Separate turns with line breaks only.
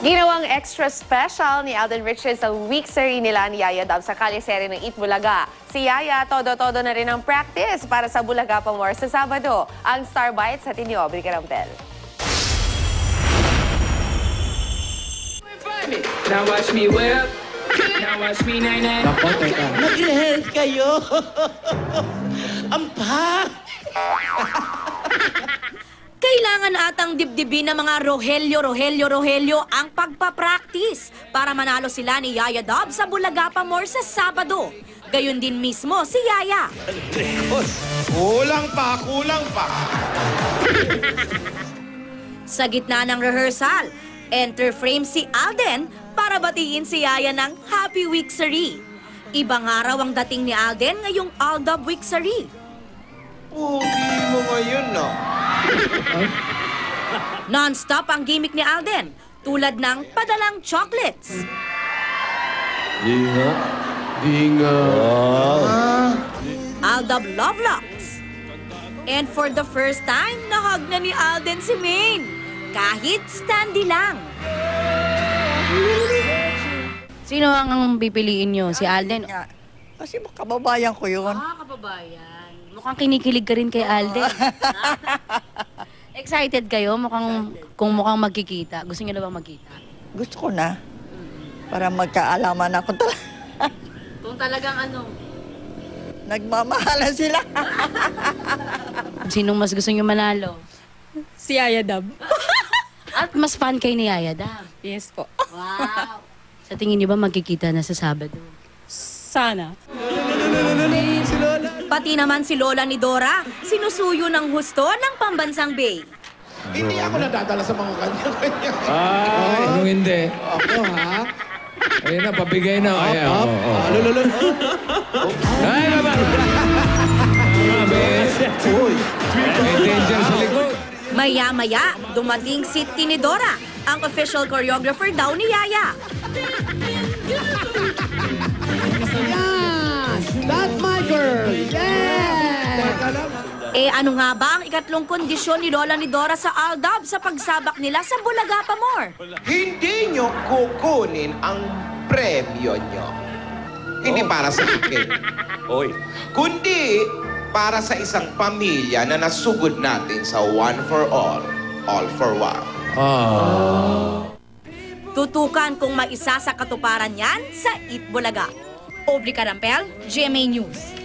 Ginawang extra special ni Alden Richards ang week-seri nila ni Yaya Dab sa kaliseri ng Eat Bulaga. Si Yaya, todo-todo na rin ang practice para sa Bulaga pa more sa Sabado. Ang Star Bites sa Tinyo, Aubrey Carampel.
Now watch me whip. Now watch me nay-nay.
Mag-rehearse kayo. Ampa!
Kailangan atang dibdibin ng mga Rogelio ang pagpapractice para manalo sila ni Yaya Dab sa Bulaga pa more sa Sabado. Gayon din mismo si Yaya.
Kulang pa.
Sa gitna ng rehearsal, enter frame si Alden para batiin si Yaya ng Happy Week-seri. Ibang araw ang dating ni Alden ngayong Aldab Week-seri.
Pugi mo ngayon, no?
Non-stop ang gimmick ni Alden, tulad ng padalang chocolates.
Dinga.
Aldab Love Locks. And for the first time, nahag na ni Alden si Maine. Kahit standy lang.
Sino ang pipiliin nyo? Si Alden?
Kasi kababayan ko yun.
Kababayan. Mukhang kinikilig ka rin kay Alden. Excited kayo? Kung mukhang magkikita. Gusto niyo na bang magkita?
Gusto ko na. Para magkaalaman ako talaga.
Kung talagang
Nagmamahalan sila.
Sinong mas gusto niyo manalo?
Si Yaya Dab.
At mas fan kayo ni Yaya Dab?
Yes po.
Wow! Sa tingin niyo ba magkikita na sa Sabado?
Sana.
Pati naman si Lola ni Dora, sinusuyo ng husto ng Pambansang Bay.
Hindi ako nadadala sa mga kanya-kanya.
Ay, anong hindi?
Ako, ha?
Ayun na, pabigay na. Ayan,
Lolo.
Ay, baba! Mga bes. May danger sa likod.
Maya-maya, dumating si Tinidora, ang official choreographer daw ni Yaya.
That's my girl! Yeah!
Ano nga ba ang ikatlong kondisyon ni Lola ni Dora sa Aldab sa pagsabak nila sa Bulaga pa more?
Hindi nyo kukunin ang premyo nyo. Hindi para sa akin. Kundi para sa isang pamilya na nasugod natin sa one for all for one.
Tutukan kung maisa sa katuparan yan sa Eat Bulaga. Aubrey Carampel, GMA News.